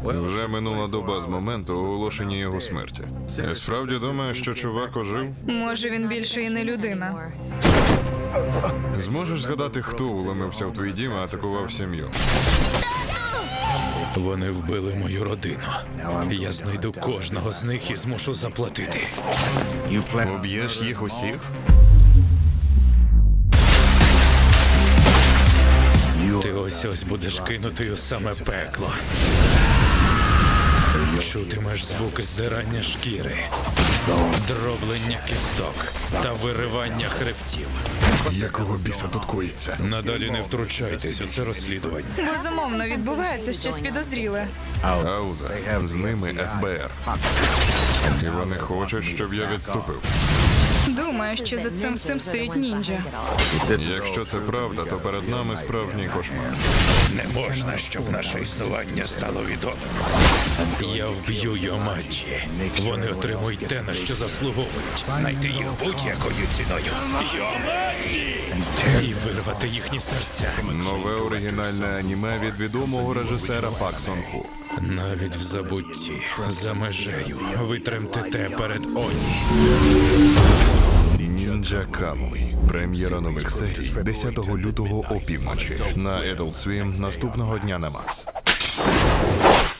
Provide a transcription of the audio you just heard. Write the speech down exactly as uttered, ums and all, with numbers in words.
Вже минула доба з моменту оголошення його смерті. Я справді думаю, що чувак ожив. Може, він більше і не людина. Зможеш згадати, хто уломився в твій дім і атакував сім'ю? Вони вбили мою родину. Я знайду кожного з них і змушу заплатити. Уб'єш їх усіх? Ти ось ось будеш кинути у саме пекло. Чутимеш звуки здирання шкіри, дроблення кісток та виривання хребтів. Якого біса тут коїться? Надалі не втручайтесь у це розслідування. Безумовно, відбувається щось підозріле. Ауза. З ними еф бе ер. І вони хочуть, щоб я відступив. Думаю, що за цим всім стоїть ніндзя. Якщо це правда, то перед нами справжній кошмар. Не можна, щоб наше існування стало відомим. Я вб'ю Йомаджі. Вони отримують те, на що заслуговують. Знайти їх будь-якою ціною. Йомаджі! І вирвати їхні серця. Нове оригінальне аніме від відомого режисера Пак Сон Ху. Навіть в забутті, за межею, ви тремтете перед Оні. Ніндзя Камуй. Прем'єра нових серій десятого лютого опівночі. На Adult Swim наступного дня на Макс.